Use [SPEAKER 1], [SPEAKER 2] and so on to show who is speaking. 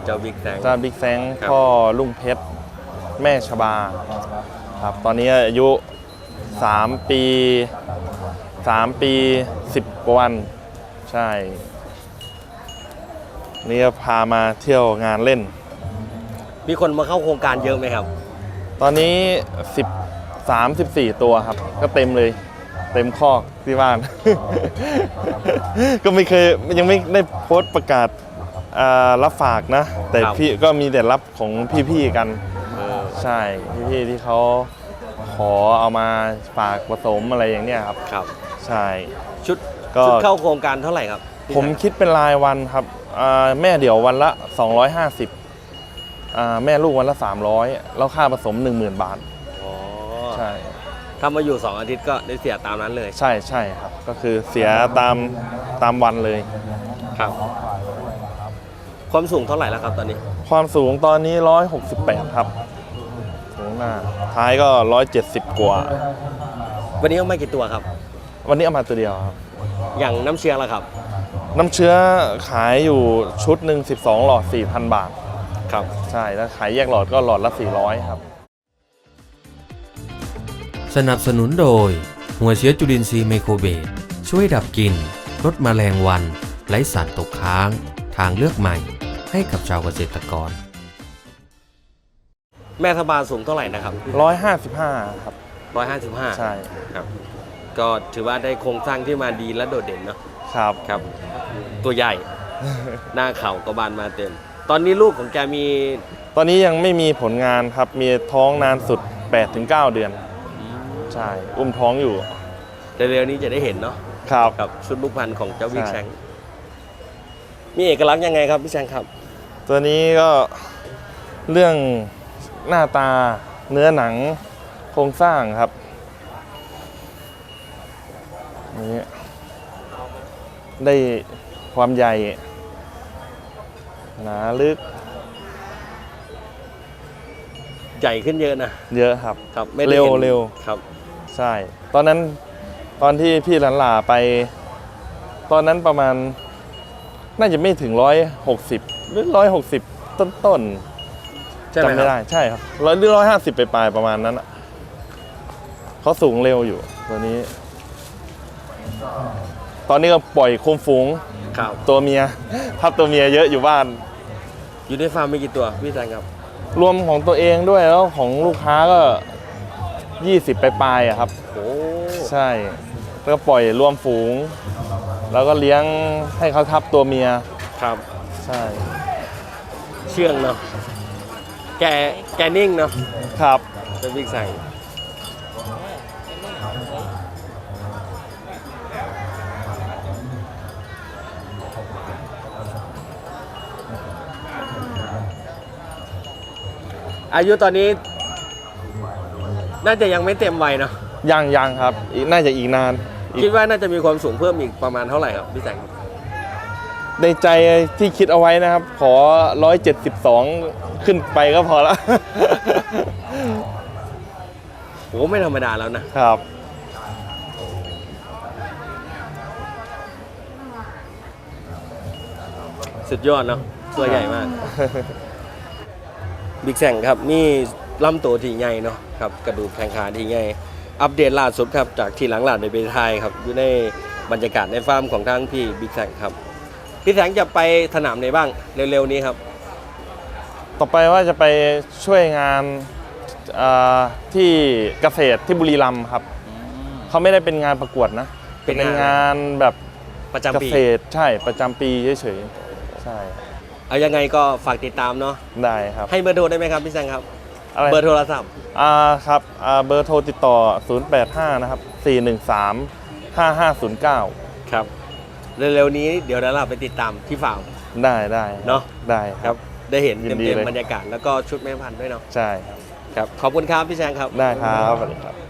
[SPEAKER 1] เจ้าบิ๊กแซง
[SPEAKER 2] พ่อลุงเพชรแม่ชบาครับตอนนี้อายุ3 ปี10 กว่าวันใช่นี่ก็พามาเที่ยวงานเล่น
[SPEAKER 1] มีคนมาเข้าโครงการเยอะไหมครับ
[SPEAKER 2] ตอนนี้13-14 ตัวครับก็เต็มเลยเต็มคอกที่บ้าน ก็ไม่เคยยังไม่ได้โพสต์ประกาศรับฝากนะแต่พี่ก็มีแต่รับของพี่ๆกันใช่พี่ๆที่เขาขอเอามาฝากผสมอะไรอย่างเนี้ยครับ
[SPEAKER 1] ครับ
[SPEAKER 2] ใช่
[SPEAKER 1] ชุดเข้าโครงการเท่าไหร่ครับ
[SPEAKER 2] ผมคิดเป็นรายวันครับแม่เดี่ยววันละ250แม่ลูกวันละ300แล้วค่าผสม 10,000 บาทใช่
[SPEAKER 1] ถ้ามาอยู่2 อาทิตย์ก็ได้เสียตามนั้นเลย
[SPEAKER 2] ใช่ครับก็คือเสียตามวันเลย
[SPEAKER 1] ครับความสูงเท่าไหร่แล้วครับตอนนี้
[SPEAKER 2] ความสูงตอนนี้168ครับสูงหน้าท้ายก็170กว่า
[SPEAKER 1] วันนี้เอามากี่ตัวครับ
[SPEAKER 2] วันนี้เอามาตัวเดียวครับ
[SPEAKER 1] อย่างน้ำเชื้อล่ะครับ
[SPEAKER 2] น้ำเชื้อขายอยู่ชุดหนึ่ง12 หลอด 4,000 บาท
[SPEAKER 1] ครับ
[SPEAKER 2] ใช่แล้วขายแยกหลอดก็หลอดละ400ครับ
[SPEAKER 3] สนับสนุนโดยหัวเชื้อจุลินทรีย์ไมโครเบสช่วยดับกลิ่นลดแมลงวันไร้สารตกค้างทางเลือกใหม่ให้กับชาวเกษตรกร
[SPEAKER 1] แม่ทบาสูงเท่าไหร่นะครับ
[SPEAKER 2] 155ครับ
[SPEAKER 1] 155
[SPEAKER 2] ใช่
[SPEAKER 1] ครับก็ถือว่าได้โครงสร้างที่มาดีและโดดเด่นเนาะครับตัวใหญ่ หน้าเข่ากระบาลมาเต็มตอนนี้ลูกของแกมี
[SPEAKER 2] ตอนนี้ยังไม่มีผลงานครับมีท้องนานสุด 8-9 เดือนใช่อุ้มท้องอยู่
[SPEAKER 1] เร็วๆนี้จะได้เห็นเนาะ
[SPEAKER 2] ครับ
[SPEAKER 1] ชุดลูกพันธุ์ของเจ้าบิ๊กแซงมีเอกลักษณ์ยังไงครับพี่แซงครับ
[SPEAKER 2] ตัวนี้ก็เรื่องหน้าตาเนื้อหนังโครงสร้างครับนี่ได้ความใหญ่หนาลึก
[SPEAKER 1] ใหญ่ขึ้นเยอะนะ
[SPEAKER 2] เยอะครับเร็ว
[SPEAKER 1] ครับ
[SPEAKER 2] ใช่ตอนที่พี่หลาไปตอนนั้นประมาณน่าจะไม่ถึง160หรือ160ต้นจำไม่ได้ใช่ครับหรือ150ไปปลายประมาณนั้นเขาสูงเร็วอยู่ตัวนี้ตอนนี้ก็ปล่อยโคมฝูงตัวเมียทับตัวเมียเยอะอยู่บ้าน
[SPEAKER 1] อยู่ในฟาร์มมีกี่ตัวพี่แซงครับ
[SPEAKER 2] รวมของตัวเองด้วยแล้วของลูกค้าก็20ไปปลายครับใช่แล้วก็ปล่อยรวมฝูงแล้วก็เลี้ยงให้เขาทับตัวเมีย
[SPEAKER 1] ครับ
[SPEAKER 2] ใช่
[SPEAKER 1] เชื่องเนาะแกนิ่งเนาะ
[SPEAKER 2] ครับ
[SPEAKER 1] เป็นบิ๊กแซงอายุตอนนี้น่าจะยังไม่เต็มวัยเนาะ
[SPEAKER 2] ยังครับน่าจะอีกนาน
[SPEAKER 1] คิดว่าน่าจะมีความสูงเพิ่มอีกประมาณเท่าไหร่ครับพี่แซง
[SPEAKER 2] ในใจที่คิดเอาไว้นะครับขอ172ขึ้นไปก็พอแล้ว
[SPEAKER 1] โหไม่ธรรมดาแล้ว
[SPEAKER 2] นะครับ
[SPEAKER 1] สุดยอดเนาะตัวใหญ่มากบิ๊กแซงครับนี่ลำตัวที่ใหญ่เนาะครับกระดูกแข้งขาที่ใหญ่อัปเดตล่าสุดครับจากที่หลังหลานในประเทศไทยครับอยู่ในบรรยากาศในฟาร์มของทางพี่บิ๊กแซงครับพี่แซงจะไปสนามไหนบ้างเร็วๆนี้ครับ
[SPEAKER 2] ต่อไปว่าจะไปช่วยงานที่เกษตรที่บุรีรัมย์ครับเขาไม่ได้เป็นงานประกวดนะเป็นงานแบบ
[SPEAKER 1] ประจำปี
[SPEAKER 2] เกษตรใช่ประจำปีเฉยๆใช่
[SPEAKER 1] เอายังไงก็ฝากติดตามเนาะ
[SPEAKER 2] ได้ครับ
[SPEAKER 1] ให้เบอร์โทรได้ไหมครับพี่แซงครับเบอร์โทรศัพท์
[SPEAKER 2] ครับเบอร์โทรติดต่อ085นะครับ4135509
[SPEAKER 1] ครับเร็วๆนี้เดี๋ยวเราไปติดตามที่ฟาร์ม
[SPEAKER 2] ได้
[SPEAKER 1] เนาะ
[SPEAKER 2] ได้ครับ
[SPEAKER 1] ได้เห็นเต็มบรรยากาศแล้วก็ชุดแม่พันธุ์ด้วยเนาะ
[SPEAKER 2] ใช่
[SPEAKER 1] ครับขอบคุณครับพี่แซงครับ
[SPEAKER 2] ได้ครับสวัสดีครับ